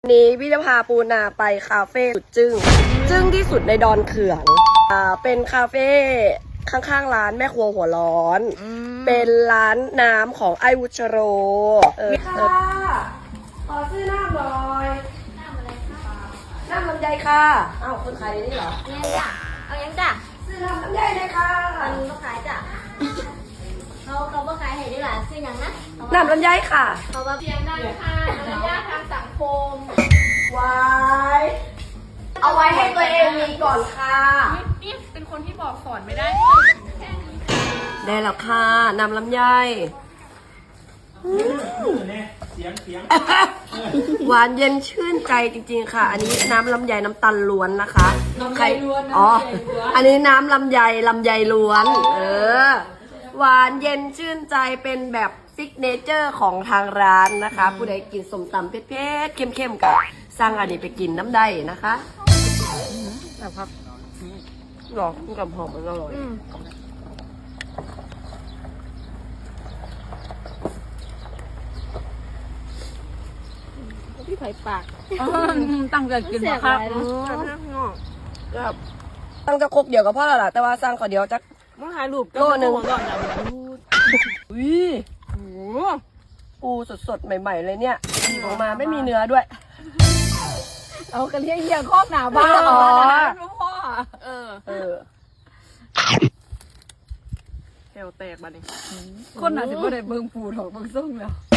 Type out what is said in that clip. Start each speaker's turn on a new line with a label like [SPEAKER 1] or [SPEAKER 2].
[SPEAKER 1] นี้พี่จะพาปูนาไปคาเฟ่สุดจึ้งที่สุดในดอนเขื่องเป็นคาเฟ่ข้างๆร้านแม่ครัวหัวร้อนเป็นร้านน้ำของไอวุชโรค่ะขอซื้อน้ำหน่อยน้ำอะไรคะน้ำลำไยค่ะอ้าวคนขายนี่เหรอ
[SPEAKER 2] เนี่ยจ้ะเอายังจ้ะ
[SPEAKER 1] ซื้อน้ำลำไยเลยค่ะ
[SPEAKER 2] มันก็ขายจ้ะเขาก็ขายให้ได้หลายซื้อยังนะ
[SPEAKER 1] น้ำลำไยค่ะ
[SPEAKER 2] เขาว่าเพียงได้ค่ะระยะทางสังคม
[SPEAKER 1] ไว้เอาไว้ให้ตัวเองมีก่อนค่ะ
[SPEAKER 3] นี่เป็นคนที่บอกสอนไม่ได้
[SPEAKER 1] ได้แล้วค่ะน้ำลำไยหวานเย็นชื่นใจจริงๆค่ะอันนี้น้ำลำไยน้ำตาลล้วนนะคะใครอ๋ออันนี้น้ำลำไยล้วนหวานเย็นชื่นใจเป็นแบบซิกเนเจอร์ของทางร้านนะคะผู้ใดกินส้มตำเผ็ดๆเข้มๆกับสร้างอันนี้ไปกินน้ำได้นะคะแบบครับหรอกับหอมมันอร่อย
[SPEAKER 3] พี่ไผ่ปากตั้งใจกินมาครับ
[SPEAKER 1] ตั้งจะครกเดียวกับพ่อแล้วล่ะแต่ว่าสร้างขอเดียวจะ
[SPEAKER 3] มาถ่ายรูป
[SPEAKER 1] โลนึง
[SPEAKER 3] อุ้ย
[SPEAKER 1] ปูสดๆใหม่ๆเลยเนี่ยออกมาไม่มีเนื้อด้วย
[SPEAKER 3] เอากระเทียมเหี้ยครอบหนาบ้า
[SPEAKER 1] อ๋อ
[SPEAKER 3] พ่อ
[SPEAKER 1] แถวแตกบ้านี่
[SPEAKER 3] คนอาจจะไม่ได้เบิ่งปูถอกเบิ่งส้มแล้ว